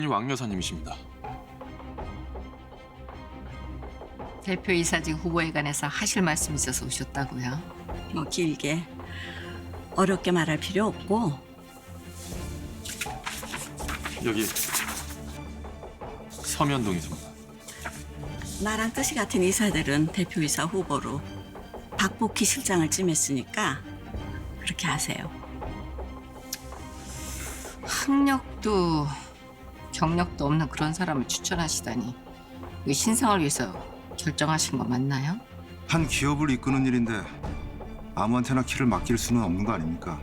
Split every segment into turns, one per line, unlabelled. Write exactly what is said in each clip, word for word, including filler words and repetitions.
왕 여사님이십니다.
대표이사직 후보에 관해서 하실 말씀 있어서 오셨다고요?
뭐 길게 어렵게 말할 필요 없고
여기 서면동이십니다.
나랑 뜻이 같은 이사들은 대표이사 후보로 박복희 실장을 찜했으니까 그렇게 하세요.
학력도 경력도 없는 그런 사람을 추천하시다니 이 신상을 위해서 결정하신 거 맞나요?
한 기업을 이끄는 일인데 아무한테나 키를 맡길 수는 없는 거 아닙니까?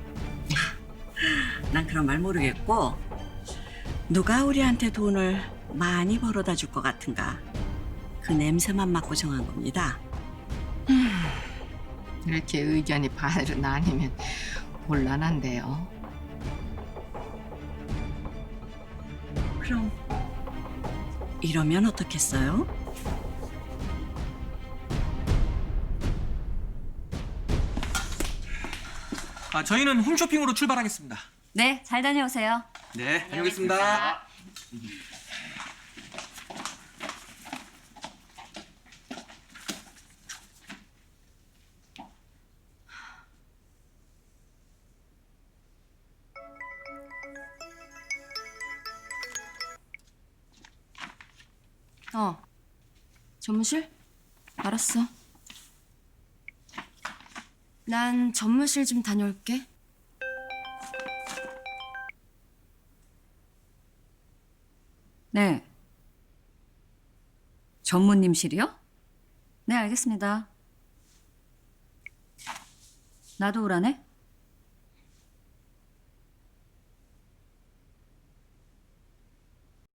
난 그런 말 모르겠고 누가 우리한테 돈을 많이 벌어다 줄 것 같은가 그 냄새만 맡고 정한 겁니다.
이렇게 의견이 반으로 나뉘면 곤란한데요.
그럼 이러면 어떻겠어요?
아, 저희는 홈쇼핑으로 출발하겠습니다.
네, 잘 다녀오세요.
네, 다녀오겠습니다.
어, 전무실? 알았어. 난 전무실 좀 다녀올게. 네. 전무님실이요? 네, 알겠습니다. 나도 오라네?